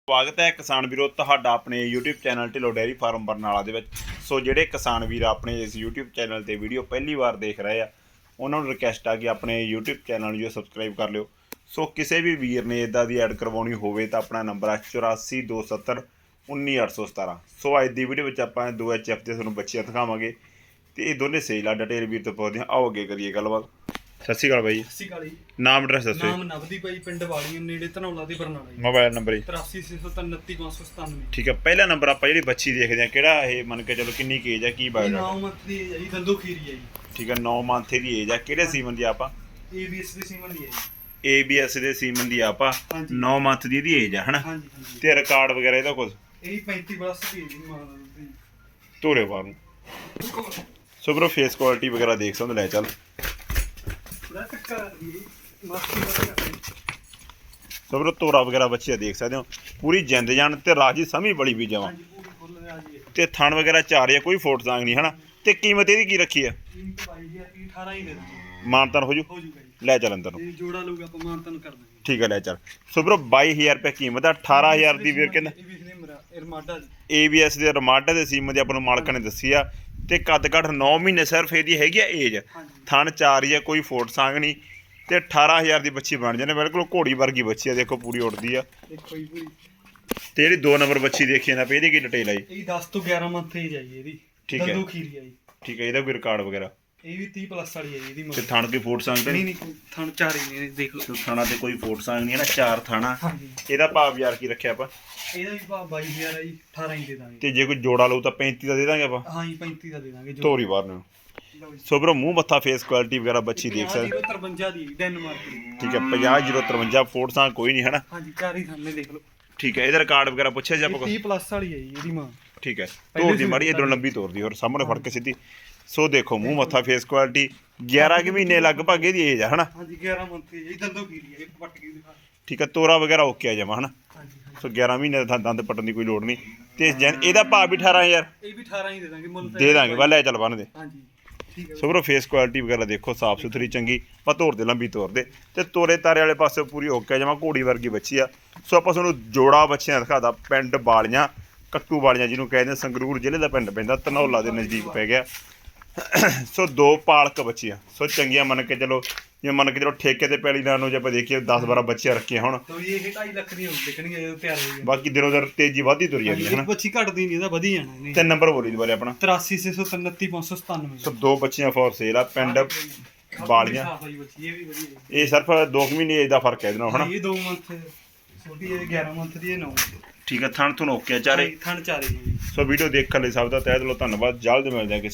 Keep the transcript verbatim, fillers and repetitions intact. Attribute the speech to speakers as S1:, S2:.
S1: ਸਵਾਗਤ ਹੈ ਕਿਸਾਨ ਵੀਰੋ ਤੁਹਾਡਾ ਆਪਣੇ YouTube channel Dhillon dairy farm Barnala ਦੇ ਵਿੱਚ। ਸੋ ਜਿਹੜੇ ਕਿਸਾਨ ਵੀਰ ਆਪਣੇ ਇਸ YouTube ਚੈਨਲ ਤੇ ਵੀਡੀਓ ਪਹਿਲੀ ਵਾਰ ਦੇਖ ਰਹੇ ਆ ਉਹਨਾਂ ਨੂੰ ਰਿਕਵੈਸਟ ਆ ਕਿ ਆਪਣੇ YouTube ਚੈਨਲ ਨੂੰ ਸਬਸਕ੍ਰਾਈਬ ਕਰ ਲਿਓ। ਸੋ ਕਿਸੇ ਵੀ ਵੀਰ ਨੇ ਇਦਾਂ ਦੀ ਐਡ ਕਰਵਾਉਣੀ ਹੋਵੇ ਤਾਂ ਆਪਣਾ ਨੰਬਰ ਆ ਚੁਰਾਸੀ ਦੋ ਸੱਤਰ ਉੱਨੀ ਅੱਠ ਸੌ ਸਤਾਰਾਂ। ਸੋ ਅੱਜ ਦੀ ਵੀਡੀਓ ਵਿੱਚ ਆਪਾਂ ਦੋ ਐਚ ਐਫ ਦੇ ਤੁਹਾਨੂੰ ਬੱਚੀਆਂ ਦਿਖਾਵਾਂਗੇ ਤੇ ਇਹ ਦੋਨੇ ਸੇਲ ਆ। ਡਿਟੇਲ ਵੀਰ ਤੋਂ ਪੁੱਛਦੇ ਹਾਂ, ਆਓ ਅੱਗੇ ਕਰੀਏ ਗੱਲਬਾਤ। ਸਤਿ ਸ਼੍ਰੀ ਅਕਾਲ ਬਾਈ।
S2: ਸਤਿ ਸ਼੍ਰੀ ਅਕਾਲ ਜੀ।
S1: ਨਾਮ ਐਡਰੈਸ ਦੱਸੋ।
S2: ਨਾਮ ਨਵਦੀਪ ਬਾਈ, ਪਿੰਡ ਵਾਲੀ ਨੇੜੇ ਧਨੌਲਾ ਦੇ ਬਰਨਾਲਾ ਜੀ।
S1: ਮੋਬਾਈਲ ਨੰਬਰ ਜੀ
S2: ਤਰਾਸੀ ਛੇ ਸੌ ਉਨੱਤੀ ਪੰਜ ਸੌ ਸਤਾਨਵੇਂ।
S1: ਠੀਕ ਹੈ। ਪਹਿਲਾ ਨੰਬਰ ਆਪਾਂ ਜਿਹੜੀ ਬੱਚੀ ਦੇਖਦੇ ਹਾਂ ਕਿਹੜਾ ਇਹ ਮੰਨ ਕੇ ਚਲੋ ਕਿੰਨੀ ਕੁ ਏਜ ਹੈ, ਕੀ ਬਾਇਓ
S2: ਨੌ ਮੰਥ ਦੀ ਹੈ ਜੀ, ਦੰਦੋ ਖੀਰੀ ਹੈ ਜੀ।
S1: ਠੀਕ ਹੈ। ਨੌ ਮੰਥ ਦੀ ਏਜ ਆ। ਕਿਹੜੇ ਸੀਮਨ ਦੀ ਆਪਾਂ
S2: ਏਬੀਐਸ ਦੇ ਸੀਮਨ ਦੀ ਹੈ ਜੀ।
S1: ਏਬੀਐਸ ਦੇ ਸੀਮਨ ਦੀ ਆਪਾਂ ਨੌ ਮੰਥ ਦੀ ਇਹਦੀ ਏਜ ਆ ਹਨਾ।
S2: ਹਾਂਜੀ ਹਾਂਜੀ।
S1: ਤੇ ਰਿਕਾਰਡ ਵਗੈਰਾ ਇਹਦਾ ਕੁਝ
S2: ਇਹ ਪੈਂਤੀ ਪਲੱਸ ਦੀ ਹੈ ਜੀ ਮਾਂ ਦੀ।
S1: ਧੋਰੇ ਬਾਹਰ ਨੂੰ ਸੋ ਬਰੋ ਫੇਸ ਕੁਆਲਿਟੀ ਵਗੈਰਾ ਦੇਖ ਸਕਦੇ ਲੈ ਚੱਲ।
S2: ਥੋੜਾ ਟੱਕਰ ਆ ਰਹੀ ਹੈ ਮਾਸਕੀ ਵਗੈਰਾ।
S1: ਸੋ ਬਰੋ ਤੋਰਾ ਵਗੈਰਾ ਬੱਚੇ ਦੇਖ ਸਕਦੇ ਹੋ, ਪੂਰੀ ਜਿੰਦ ਜਾਨ ਤੇ ਰਾਜੀ ਸਮੀ ਬੜੀ ਵੀ ਜਾਵਾਂ
S2: ਹਾਂਜੀ ਪੂਰੀ ਫੁੱਲ ਰਾਜੀ ਹੈ
S1: ਤੇ ਥਣ ਵਗੈਰਾ ਚਾਰ ਆ, ਕੋਈ ਫੋਟ ਸਾਂਗ ਨਹੀਂ ਹਨਾ। ਤੇ ਕੀਮਤ ਇਹਦੀ ਕੀ ਰੱਖੀ ਆ?
S2: ਕੀਮਤ ਬਾਈ ਹਜ਼ਾਰ ਦੀ ਅਠਾਰਾਂ ਹੀ ਦੇ ਦਾਂਗੇ।
S1: ਮਾਨਤਨ ਹੋ ਜੂ?
S2: ਹੋ ਜੂਗਾ ਜੀ।
S1: ਲੈ ਚੱਲ ਅੰਦਰ ਨੂੰ।
S2: ਇਹ ਜੋੜਾ ਲਊਗਾ ਆਪਾਂ ਮਾਨਤਨ ਕਰ ਦਾਂਗੇ।
S1: ਠੀਕ ਹੈ ਲੈ ਚੱਲ। ਸੋ ਬਰੋ ਬਾਈ ਹਜ਼ਾਰ ਰੁਪਏ ਕੀਮਤ ਆ। ਅਠਾਰਾਂ ਹਜ਼ਾਰ ਦੀ ਵੀਰ ਕਹਿੰਦਾ
S2: ਇਹ ਵੀ ਨੇ ਮੇਰਾ ਇਰਮਾਡਾ ਜੀ।
S1: ਏਬੀਐਸ ਦੇ ਰਮਾਡਾ ਦੇ ਸੀਮਨ ਦੀ ਆਪਾਂ ਨੂੰ ਮਾਲਕਾਂ ਨੇ ਦੱਸੀ ਆ ਤੇ ਕੱਦ ਕੱਠ ਨੌ ਮਹੀਨੇ ਸਿਰਫ ਇਹਦੀ ਹੈਗੀ ਆ ਏਜ। ਥਣ ਚਾਰ ਹੀ ਆ, ਕੋਈ ਫੋਟ ਸਾਂਗ ਨਹੀਂ ਤੇ ਅਠਾਰਾਂ ਹਜ਼ਾਰ ਦੀ ਬੱਚੀ ਬਣ ਜਾਂਦੇ। ਬਿਲਕੁਲ ਘੋੜੀ ਵਰਗੀ ਬੱਚੀ ਆ, ਦੇਖੋ ਪੂਰੀ ਉੱਡਦੀ ਆ।
S2: ਦੇਖੋ ਜੀ ਪੂਰੀ।
S1: ਤੇ ਜਿਹੜੀ ਦੋ ਨੰਬਰ ਬੱਚੀ ਦੇਖੀ ਜਾਂਦਾ ਪਈ ਇਹਦੀ ਕੀ ਡਿਟੇਲ ਆ ਜੀ?
S2: ਇਹ ਦਸ ਤੋਂ ਗਿਆਰਾਂ ਮੰਥ ਏਜ ਹੈ ਜੀ ਇਹਦੀ।
S1: ਠੀਕ ਹੈ।
S2: ਦੰਦੋ ਖੀਰੀ ਹੈ ਜੀ।
S1: ਠੀਕ ਹੈ। ਇਹਦਾ ਕੋਈ ਰਿਕਾਰਡ ਵਗੈਰਾ?
S2: ਇਹ ਵੀ ਤੀਹ ਪਲੱਸ ਵਾਲੀ ਹੈ ਜੀ ਇਹਦੀ
S1: ਤੇ
S2: ਮਗਰ।
S1: ਥਣ ਕੋਈ ਫੋਟ ਸਾਂਗ ਤੇ
S2: ਨਹੀਂ
S1: ਨਹੀਂ?
S2: ਨਹੀਂ ਥਣ ਚਾਰ ਹੀ ਨੇ, ਦੇਖ ਲਓ।
S1: ਥਾਣਾ ਤੇ ਕੋਈ ਫੋਟ ਸਾਂਗ ਨਹੀਂ ਹੈ ਨਾ, ਚਾਰ ਥਾਣਾ।
S2: ਹਾਂਜੀ।
S1: ਇਹਦਾ ਭਾਵ ਯਾਰ ਕੀ ਰੱਖਿਆ ਆਪਾਂ?
S2: ਇਹਦਾ ਵੀ ਭਾਅ ਬਾਈ ਹਜ਼ਾਰ ਹੈ ਜੀ, ਅਠਾਰਾਂ ਹੀ ਦੇ ਦਾਂਗੇ।
S1: ਤੇ ਜੇ ਕੋਈ ਜੋੜਾ ਲਊ ਤਾਂ ਪੈਂਤੀ ਦਾ ਦੇ ਦਾਂਗੇ ਆਪਾਂ।
S2: ਹਾਂ ਜੀ ਪੈਂਤੀ ਦਾ ਦੇ ਦਾਂਗੇ।
S1: ਧੋਰੀ ਬਾਹਰ ਨੂੰ। ਸੋ ਬਰੋ ਮੂੰਹ ਮੱਥਾ ਫੇਸ ਕੁਆਲਿਟੀ ਵਗੈਰਾ ਬੱਚੀ ਦੇਖ ਸਕਦੇ।
S2: ਤਰਵੰਜਾ ਦੀ ਡੈਨਮਾਰਕ ਦੀ।
S1: ਠੀਕ ਹੈ। ਪੰਜਾਹ ਜ਼ੀਰੋ ਤਰਵੰਜਾ ਫੋਟ ਸਾਂਗ ਕੋਈ ਨਹੀਂ ਹਨਾ।
S2: ਹਾਂਜੀ ਚਾਰ ਹੀ ਥਾਨੇ ਦੇਖ ਲਓ।
S1: ਠੀਕ ਹੈ। ਇਹਦਾ ਰਿਕਾਰਡ ਵਗੈਰਾ ਪੁੱਛਿਆ ਜੀ ਆਪਾਂ?
S2: ਤੀਹ ਪਲੱਸ ਵਾਲੀ ਹੈ ਜੀ ਇਹਦੀ ਮਾਂ।
S1: ਠੀਕ ਹੈ। ਤੋਰ ਦੀ ਮਾੜੀ ਇਧਰੋਂ ਲੰਬੀ ਤੋਰ ਦੀ ਹੋਰ ਸਾਹਮਣੇ ਫੜ ਕੇ ਸਿੱਧੀ। ਸੋ ਦੇਖੋ ਮੂੰਹ ਮੱਥਾ ਫੇਸ ਕੁਆਲਿਟੀ। ਗਿਆਰਾਂ ਕੁ ਮਹੀਨੇ ਲਗਭਗ ਇਹਦੀ ਏਜ ਆ ਹਨਾ।
S2: ਹਾਂਜੀ ਗਿਆਰਾਂ ਮੰਥ ਦੀ ਜੀ। ਦੰਦੋ ਖੀਰੀ ਹੈ, ਪੱਟ ਕੇ ਦਿਖਾ।
S1: ਠੀਕ ਹੈ। ਤੋਰਾ ਵਗੈਰਾ ਓਕੇ ਆ ਜਾਵਾ ਹਨਾ।
S2: ਹਾਂਜੀ
S1: ਸੋ ਗਿਆਰਾਂ ਮਹੀਨੇ ਦਾ ਦੰਦ ਪੱਟਣ ਦੀ ਕੋਈ ਲੋੜ ਨਹੀਂ। ਤੇ ਇਹਦਾ ਭਾਅ ਵੀ ਅਠਾਰਾਂ ਹਜ਼ਾਰ
S2: ਇਹ ਵੀ ਅਠਾਰਾਂ ਹੀ ਦੇ ਦਾਂਗੇ ਮੁੱਲ
S1: ਦੇ ਦਾਂਗੇ। ਵਾ ਲੈ ਚੱਲ ਬੰਨ ਦੇ।
S2: ਹਾਂਜੀ ਠੀਕ ਹੈ।
S1: ਸੋ ਬਰੋ ਫੇਸ ਕੁਆਲਿਟੀ ਵਗੈਰਾ ਦੇਖੋ, ਸਾਫ ਸੁਥਰੀ ਚੰਗੀ। ਪਾ ਤੋਰ ਦੇ ਲੰਬੀ ਤੋਰ ਦੇ ਤੇ ਤੋਰੇ ਤਾਰੇ ਵਾਲੇ ਪਾਸੇ ਪੂਰੀ ਓਕੇ ਜਾਵਾਂ, ਘੋੜੀ ਵਰਗੀ ਬੱਚੀ ਆ। ਸੋ ਆਪਾਂ ਤੁਹਾਨੂੰ ਜੋੜਾ ਬੱਚਿਆਂ ਦਿਖਾਦਾ। ਪਿੰਡ ਬਾਲੀਆਂ, ਕੱਟੂ ਬਾਲੀਆਂ ਜਿਹਨੂੰ ਕਹਿੰਦੇ, ਸੰਗਰੂਰ ਜ਼ਿਲ੍ਹੇ ਦਾ ਪਿੰਡ ਪੈਂਦਾ, ਧਨੌਲਾ ਦੇ ਨਜ਼ਦੀਕ ਪੈ ਗਿਆ। ਸੋ ਦੋ ਪਾਲਕ ਬੱਚੀਆਂ ਸੋ ਚੰਗੀਆਂ ਮੰਨ ਕੇ ਚਲੋ, ਜੇ ਮੰਨ ਕੇ ਚਲੋ ਠੇਕੇ ਤੇ ਪੈਲੀ ਨਾਲ ਨੂੰ ਜੇ ਆਪਾਂ ਦੇਖੀਏ ਦਸ ਬਾਰਾਂ ਬੱਚੀਆਂ ਰੱਖੀਆਂ ਹੁਣ।
S2: ਤੋ ਇਹ ਢਾਈ ਲੱਖ ਦੀ ਹੋਊ ਵਿਕਣਗੇ ਜਦੋਂ ਤਿਆਰ ਹੋ ਗਈ।
S1: ਬਾਕੀ ਦਿਨੋਂ ਦਿਨ ਤੇਜ਼ੀ ਵਧਦੀ ਤੁਰੀ ਜਾਂਦੀ ਹੈ ਨਾ।
S2: ਬੱਚੀ ਘਟਦੀ ਨਹੀਂ, ਇਹਦਾ ਵਧੀ ਜਾਣਾ ਇਹਨੇ।
S1: ਤਿੰਨ ਨੰਬਰ ਬੋਲੀ ਦੁਬਾਰੇ ਆਪਣਾ
S2: ਤਰਾਸੀ ਛੇ ਸੌ ਉਨੱਤੀ ਪੰਜ ਸੌ ਸਤਾਨਵੇਂ।
S1: ਸੋ ਦੋ ਬੱਚੀਆਂ ਫੋਰ ਸੇਲ ਆ। ਪਿੰਡ ਬਾਲੀਆਂ।
S2: ਇਹ ਵੀ ਵਧੀਆ।
S1: ਇਹ ਸਿਰਫ ਦੋ ਕੁ ਮਹੀਨੇ ਏਜ ਦਾ ਫਰਕ ਹੈ ਇਹਦੇ ਨਾਲ ਹਨਾ।
S2: ਇਹ ਦੋ ਮੰਥ ਛੋਟੀ ਹੈ, ਗਿਆਰਾਂ ਮੰਥ ਦੀ ਹੈ, ਨੌ ਮੰਥ।
S1: ਠੀਕ ਹੈ। ਥਣ ਤੁਹਾਨੂੰ ਓਕੇ ਚਾਰੇ।
S2: ਥਣ ਚਾਰੇ ਜੀ।
S1: ਸੋ ਵੀਡੀਓ ਦੇਖਣ ਲਈ ਸਭ ਦਾ ਤਹਿ ਦਿਲੋਂ ਧੰਨਵਾਦ। ਜਲਦ ਮਿਲਦੇ ਹਾਂ ਕਿਸੇ